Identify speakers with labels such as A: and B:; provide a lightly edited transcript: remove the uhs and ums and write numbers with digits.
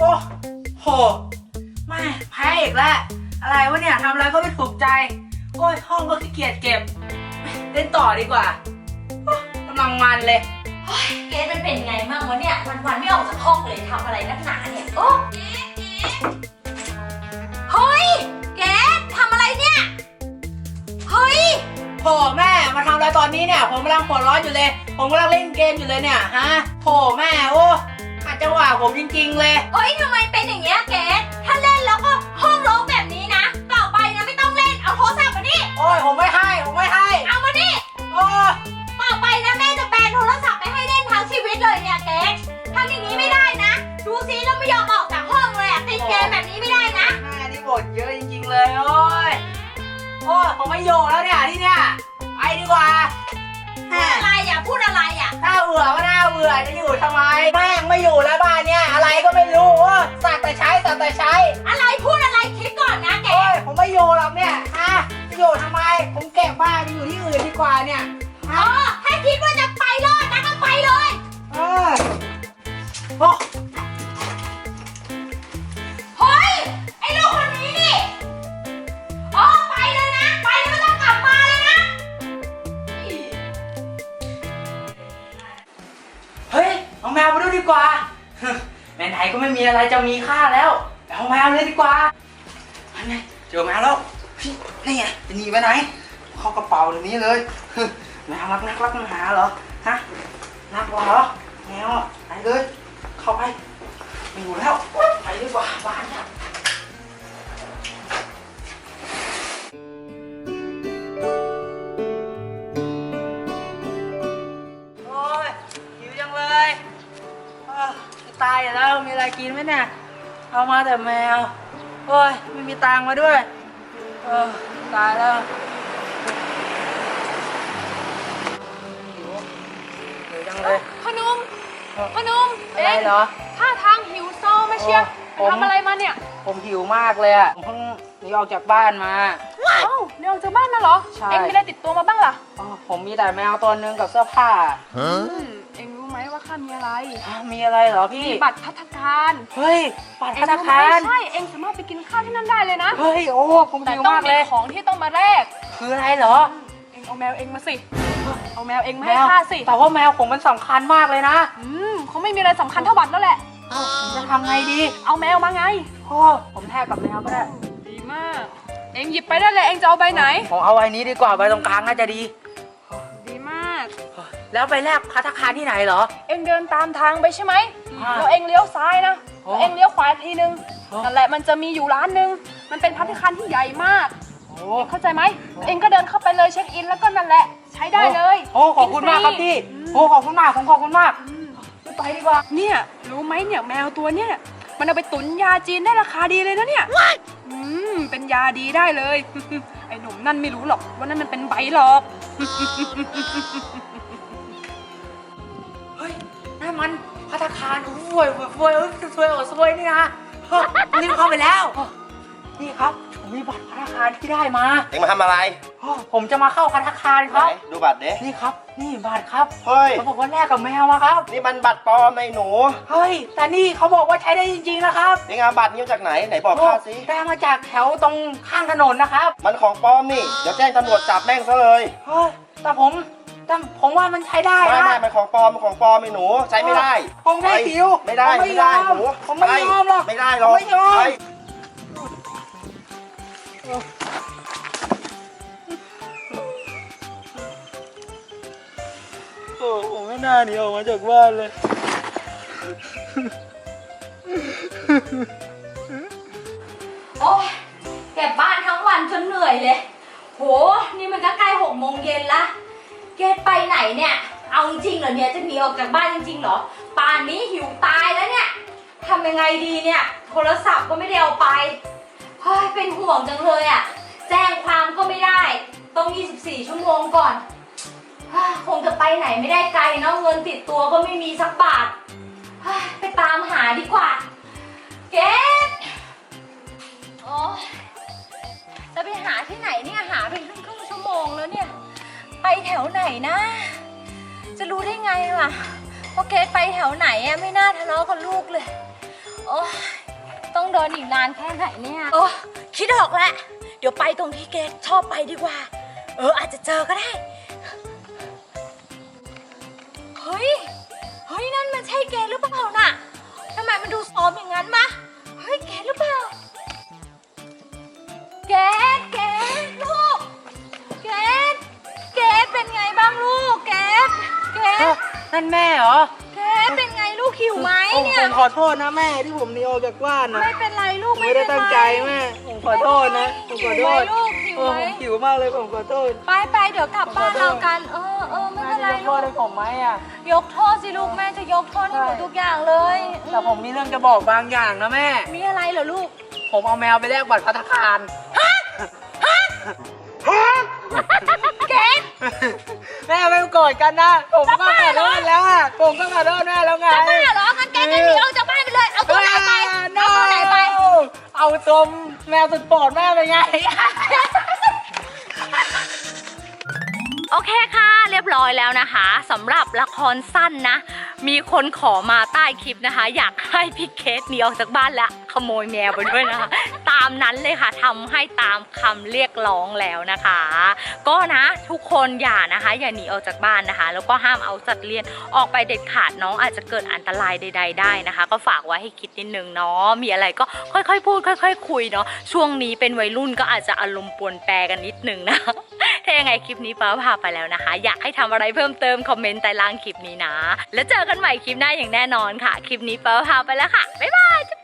A: โอ้โหไม่แพ้อีกแล้วอะไรวะเนี่ยทำอะไรก็ไม่ถูกใจโอ้ยห้องก็ขี้เกียจเก็บเล่นต่อดีกว่ากำลังมันเลย
B: เกดมันเป็นไงมั่งวะเนี่ยวันไม่ออกจากห้องเลยทำอะไรนักหนาเนี่ยโอ้เฮ้ยเกดทำอะไรเนี่ยเฮ้ย
A: โถแม่มาทำอะไรตอนนี้เนี่ยผมกำลังหัวร้อนอยู่เลยผมกำลังเล่นเกมอยู่เลยเนี่ยฮะโถแม่โอ้อาจจะว่าผมจริงๆเลย
B: เฮ้ยทำไมเป็นอย่างเงี้ยเกดถ้าเล่นแล้วก็ห้องรกแบบนี้นะต่อไปนะไม่ต้องเล่นเอาโทรศัพท์มานี่
A: โอ้ยผมไม่ให้
B: เอามานี่
A: โอ้
B: ต่อไปนะแม่จะแบนโทรศัพท์ไม่ให้เล่นทั้งชีวิตเลยเนี่ยเกดทำอย่างนี้ไม่ได้นะดูซิแล้วไม่ยอมออกจากห้องเลยอะติดเกมแบบนี้ไม่ได้นะ
A: แม่นี่บ่นเยอะจริงๆเลยโอ้ยผมไม่อยู่แล้วเนี่ยที่เนี่ยไปดีกว่า
B: พูดอะไรอ่ะ
A: น่าเบื่อก็น่าเบื่อจะอยู่ทำไมแม่งไม่อยู่แล้วบ้านเนี่ยอะไรก็ไม่รู้สักแต่ใช้
B: อะไรพูดอะไรคิดก่อนนะเกด
A: ผมไม่อยู่หรอกเนี่ยฮะจะอยู่ทำไมผมเก็บบ้านไปอยู่ที่อื่นดีกว่าเนี่ย
B: ให้คิดว่าจะไปรอดนะก็ไปเลย
A: โอ้
B: เฮ้ยไอ้ลูกคนนี้นี่ไปเลยนะไปแล้วไม่ต้องกลับมาเลยนะ
A: เฮ้ยเอาแมวไปดูดีกว่าไหนๆก็ไม่มีอะไรจะมีค่าแล้วเอาแมวเลยดีกว่าไงเจอแมวแล้วนี่ไงจะหนีไปไหนเข้ากระเป๋าเดี๋ยวนี้เลยแมวรักนักมันหาเหรอฮะนักเหรอแมวไปเลยเข้าไปไม่อยู่แล้วไปดีกว่าบ้านเนี่ยโอ้ยหิวจังเลยตายแล้วมีอะไรกินไหมเนี่ยเอามาแต่แมวโอ้ยไม่มีตังค์มาด้วยตายแล้วหิวจังเลย
C: พนุ่ม
A: อะไรเหรอ
C: ท่าทางหิวโซมาเชียวไปทำอะไรมาเนี่ย
A: ผมหิวมากเลยอ่ะผมเพิ่งหนีออกจากบ้านมา
C: เดี๋ยวออกจากบ้านมาเหรอ
A: ใช่
C: เอ็งมีอะไรติดตัวมาบ้างล่ะ
A: ผมมีแต่แมวตัวนึงกับเสื้อผ้า
C: เอ็งรู้ไหมว่าข้ามีอะไร
A: มีอะไรเหรอพี่
C: บัตรภัตตาคาร
A: เฮ้ยบัตรภัตตาคาร
C: ใช่เอ็งสามารถไปกินข้าวที่นั่นได้เลยนะ
A: เฮ้ยผมหิวมากเลย
C: แต่ต้องมีของที่ต้องมาแลก
A: คืออะไรเหรอ
C: เอ็งเอาแมวเอ็งมาสิเอาแมวเอ็งมาให้ข้าสิ
A: แต่ว่าแมวผมมันสำคัญมากเลยนะ
C: เขาไม่มีอะไรสำคัญเท่าบัตรแล้วแหละ
A: ผมจะทำไงดี
C: เอาแมวมาไง
A: ผมแทกกับแมวก็ได้
C: ดีมากเอ็งหยิบไปได้เลยเอ็งจะเอาใบไหน
A: ผมเอาใบนี้ดีกว่าใบตรงกลางน่าจะดี
C: มาก
A: แล้วไปแลกภัตตาคารที่ไหนเหรอ
C: เอ็งเดินตามทางไปใช่ไหมแล้วเอ็งเลี้ยวซ้ายนะเอ็งเลี้ยวขวาทีนึงนั่นแหละมันจะมีอยู่ร้านนึงมันเป็นภัตตาคารที่ใหญ่มากเข้าใจไหมเอ็งก็เดินเข้าไปเลยเช็คอินแล้วก็นั่นแหละใช้ได้เลย
A: ขอบคุณมากครับพี่ขอบคุณมากผมขอบคุณมากไปดีกว่า
C: เนี่ยรู้ไหมเนี่ยแมวตัวเนี้ยมันเอาไปตุ๋นยาจีนได้ราคาดีเลยนะเนี่ยเป็นยาดีได้เลยไอ้หนุ่มนั่นไม่รู้หรอกว่านั่นมันเป็นใบหลอก
A: เฮ้ยนั่นมันภัตตาคารสวยนี่นะรีบเข้าไปแล้วนี่ครับผมมีบัตรภัตตาคารที่ได้มา
D: เอ็งมาทำอะไร
A: ผมจะมาเข้าภัตตาคารครับ
D: ดูบัตรเด้
A: นี่ครับนี่บัตรครับ
D: เฮ้ย
A: เขาบอกว่าแลกกับแมวมาครับ
D: นี่มันบัตรปลอมไอ้หนู
A: เฮ้ยแต่นี่เขาบอกว่าใช้ได้จริงๆนะครับ
D: เอ็งเอาบัตรนี้มาจากไหนบอกข้าสิ
A: ได้มาจากแถวตรงข้างถนนนะครับ
D: มันของปลอมนี่เดี๋ยวแจ้งตำรวจจับแม่งซะเลย
A: เฮ้ยแต่ผมว่ามันใช้ได้
D: นะไม่มันของปลอมไอ้หนูใช้ไม่ได้
A: ผมแค่หิว
D: ไม่ได้หนู
A: ผมไม่ยอมหรอก
D: ไม่ได้หรอก
A: ไม่ยอมผมไม่น่าหนีออกมาจากบ้านเลย
B: โอ้ยเก็บบ้านทั้งวันจนเหนื่อยเลยโหนี่มันก็ใกล้6 โมงเย็นละเกดไปไหนเนี่ยเอาจริงเหรอเนี่ยจะหนีออกจากบ้านจริงๆเหรอป่านนี้หิวตายแล้วเนี่ยทำยังไงดีเนี่ยโทรศัพท์ก็ไม่ได้เอาไปเฮ้ยเป็นห่วงจังเลยอ่ะแจ้งความก็ไม่ได้ต้อง24 ชั่วโมงก่อนคงจะไปไหนไม่ได้ไกลเนาะเงินติดตัวก็ไม่มีสักบาทไปตามหาดีกว่าเกดโอ้จะไปหาที่ไหนเนี่ยหาไปครึ่งชั่วโมงแล้วเนี่ยไปแถวไหนนะจะรู้ได้ไงล่ะว่าเกดไปแถวไหนอะไม่น่าทะเลาะกับลูกเลยโอ้เดินอีกนานแค่ไหนเนี่ยโอ้คิดออกแล้วเดี๋ยวไปตรงที่เกดชอบไปดีกว่าอาจจะเจอก็ได้เฮ้ยนั่นมันใช่เกดหรือเปล่าน่ะทำไมมันดูซ้อมอย่างนั้นมะเฮ้ยเกดหรือเปล่าเกดลูกเกดเป็นไงบ้างลูกเกด
A: นั่นแม่เหรอ
B: เกดเป็นไงลูกหิวไหมเนี่ย
A: ผมขอโทษนะแม่ที่ผมหนีออกจากบ้านนะ
B: ไม่เป็นไรลูก
A: ไม่ได้ตั้งใจแม่ผมขอโทษนะผมขอโทษ
B: ลูกหิวไหม
A: ผมหิวมากเลยผมขอโทษ
B: ไปเดี๋ยวกลับบ้านเรากันไม่เป็นไร
A: แม่จะยกโท
B: ลู
A: ษ
B: ก
A: ให้ผมไหมอ่ะ
B: ยกโทษสิลูกแม่จะยกโทษให้หนูทุกอย่างเลย
A: แต่ผมมีเรื่องจะบอกบางอย่างนะแม่
B: มีอะไรเหรอลูก
A: ผมเอาแมวไปแลกบัตรพัฒคาร
B: เกด
A: แม่ไม่โกรธกันนะ ผมก็ขอโทษแล้วอ่ะผมก็ขอโทษแม่แล้วไง
B: จะบ้าเหรองั้นเกดจะหนีออกจากบ้านไปเลยเอาตัวไหนไปเอาตัวไหนไป
A: เอาตัวแมวสุดโปรดแม่ไปไง
B: โอเคค่ะเรียบร้อยแล้วนะคะสำหรับละครสั้นนะมีคนขอมาใต้คลิปนะคะอยากให้พี่เคสหนีออกจากบ้านและขโมยแมวไปด้วยนะคะตามนั้นเลยค่ะทำให้ตามคำเรียกร้องแล้วนะคะ ก็นะทุกคนอย่าหนีออกจากบ้านนะคะแล้วก็ห้ามเอาสัตว์เลี้ยงออกไปเด็ดขาดน้องอาจจะเกิดอันตรายใด ๆ ได้นะคะ ก็ฝากไว้ให้คิดนิดนึงเนาะมีอะไรก็ค่อยๆพูดค่อยๆคุยเนาะช่วงนี้เป็นวัยรุ่นก็อาจจะอารมณ์ปรวนแปรกันนิดนึงนะ ถ้ายังไงคลิปนี้ป้าพาไปแล้วนะคะ อยากให้ทำอะไรเพิ่มเติมคอมเมนต์ใต้ล่างคลิปนี้นะแล้วเจอกันใหม่คลิปหน้าอย่างแน่นอนค่ะคลิปนี้ป้าพาไปแล้วค่ะบ๊ายบาย